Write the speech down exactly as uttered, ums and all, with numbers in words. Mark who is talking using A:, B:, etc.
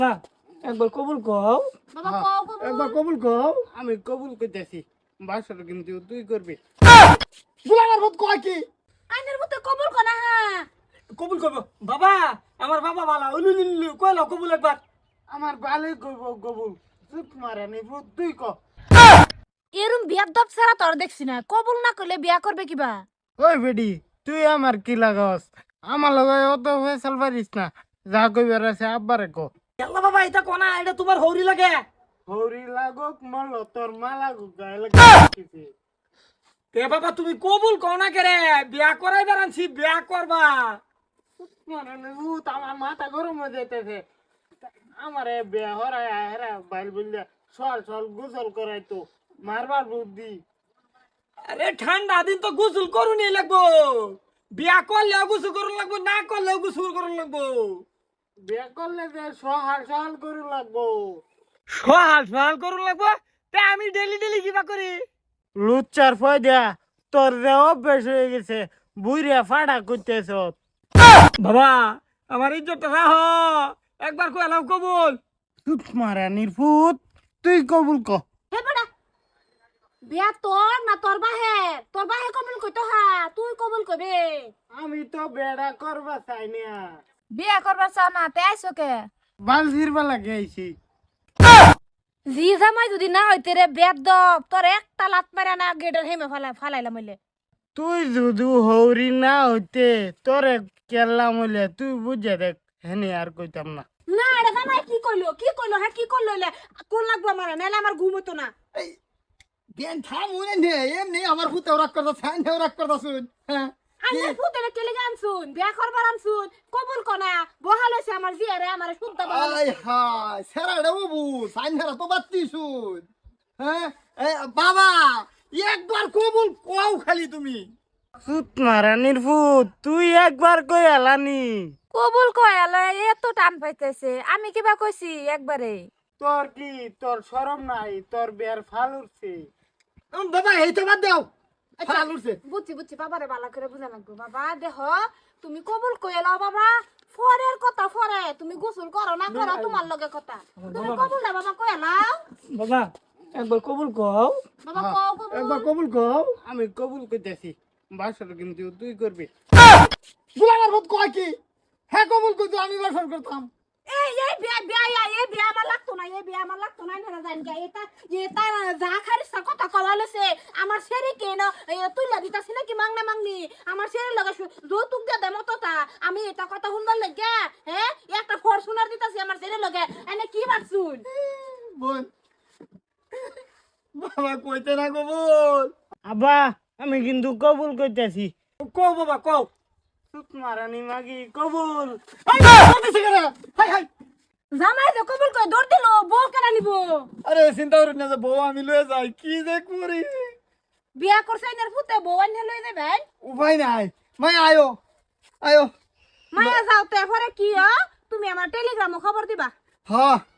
A: একবার কবুল কও।
B: বাবা কও কবুল।
A: একবার কবুল কও।
C: আমি কবুল করতেছি বাসর কিন্তু তুই করবি।
A: বুলার ভূত কয় কি?
B: আইনের মতে কবুল কনা হ্যাঁ।
A: কবুল করব বাবা। আমার বাবা বালা উলুলুলু কইলো কবুল একবার।
C: আমার বালে কইব কবুল চুপ মারা নি ভূত তুই ক।
B: এরম বিয়ার দব ছাড়া তোর দেখছি না, কবুল না করলে বিয়া করবে কিবা?
C: ওই বেডি তুই আমার কি লাগাস? আমার লগে অত ফেসাল পারিস না। যা কইবার আছে আব্বারে ক।
A: আল্লাহ বাবা এটা কোনা এটা তোমার হৌরি লাগে।
C: হরি লাগক মল তোর মা লাগুক গায়ে লাগে।
A: তে বাবা তুমি কবুল কও না কেরে? বিয়া করাই দাঁড়ানছি বিয়া করবা।
C: চুপ মারা নি ভূত আমার মাথা গরম হয়ে যাইতেছে। আমারে বিয়া হরাই হেরা বাইল বললে সল সল গোসল করাই তো মারবার বুদ্ধি।
A: আরে ঠান্ডা দিন তো গোসল করুনি লাগবো। বিয়া করলেও গোসল করুন লাগবো, না করলেও গোসল করুন লাগবো।
C: বিয়া করলে যে সহাল সহাল করে লাগবো।
A: সহাল সহাল করুন লাগবো। তে আমি ডেলি ডেলি কিবা করি?
C: লুচ্চার ফয়দা তোর যে অভ্যাস হয়ে গেছে বুইরা ফাড়া করতেছ।
A: বাবা আমার ইজ্জতটা রাহ। একবার কইলাম কবুল।
C: চুপ মারা নির্ফুত তুই কবুল ক।
B: হে বেটা, বিয়া তোর না তোর বাহে? তোর বাহে কবুল কইতো হ্যাঁ, তুই কবুল কবে?
C: আমি তো বেড়া করবা চাই না।
B: বিয়া করবা চাও না তে আইছো কে?
C: বালজির বেলা গেছি।
B: জি জামাই যদি না হইতে রে বেদ দব তোর একটা লাত মারা না গেটের হেমে ফালাই ফালাইলাম হইলে।
C: তুই যদি হৌরি না হইতে তোরে কেলাম হইলে তুই বুঝে দেখ হেনে আর কইতাম না।
B: না রে জামাই কি কইলো কি কইলো হ্যাঁ কি কইলো হইলে কোন লাগবো আমার নাইলে আমার ঘুম হতো না।
A: বেন থাম উনে নে এমনি আমার ফুতে ওরাক করতা ছান ওরাক করতা শুন। হ্যাঁ
B: আমি ফুতেরে কেলে গান শুন বিয়া করবার আন শুন কবুল কনা বহাল হইছে আমার জিয়ারে আমার শুদ্ধ বহাল
A: আই হাই সেরা রে বাবু ছান হেরা তো বাত্তি শুন। হ্যাঁ এ বাবা একবার কবুল কও খালি তুমি।
C: চুপ মারা নির্ফুত তুই একবার কই আলানি।
B: কবুল কয়ালে এত টান পাইতেছে আমি কিবা কইছি একবারে।
C: তোর কি তোর শরম নাই তোর বিয়ার ফাল উঠছে।
A: উম, বাবা এই তো বাদ দাও। ফাল উঠছে।
B: বুঝছি বুঝছি বাবারে বালা করে বুঝা লাগবো বাবা দেহ তুমি কবুল কইলাও বাবা ফরের কথা ফরে তুমি গোসল করো না করো তোমার লগে কথা তুমি কবুল না বাবা কইলাও
A: বাবা একবার কবুল কও।
B: বাবা কও কবুল
A: একবার কবুল কও।
C: আমি কবুল করতেছি বাসর কিন্তু তুই করবি।
A: বুলার ভূত কয় কি? হ্যাঁ কবুল কইতো আমি বাসর করতাম।
B: এই এই বিয়া বিয়া ইয়া, এই বিয়া আমার লাগতো না এই বিয়া আমার লাগতো না না জান গে এটা এটা যা খারিস কথা কওয়ালেছে আমার সেরি কেন তুই লাগিতাছিস নাকি মাংনা মাংনি আমার সেরি লাগা যৌতুক দে দেমো তো তা আমি এটা কথা শুনবার লাগে হ্যাঁ একটা ফরচুনার দিতাছি আমার সেরি লগে এনে কি মারছুন
A: বোন বাবা কইতে না কবুল।
C: আব্বা আমি কিন্তু কবুল করতেছি।
A: কও বাবা কও।
C: চুপ মারানি মাগি কবুল।
A: হাই কইতেছ কেন? হাই হাই
B: জামাই যে কবুল কই দৌড় দিল বউ কেন নিব
A: আরে চিন্তা করেন না যে বউ আমি লয়ে যাই কি যে করি।
B: বিয়া করছে এনার ফুতে বউ আনহে লই যাবে
A: উপায় নাই মাই আয়ো আয়ো।
B: মায়া যাও তে পরে কি হ তুমি আমার টেলিগ্রামে খবর দিবা
A: হ্যাঁ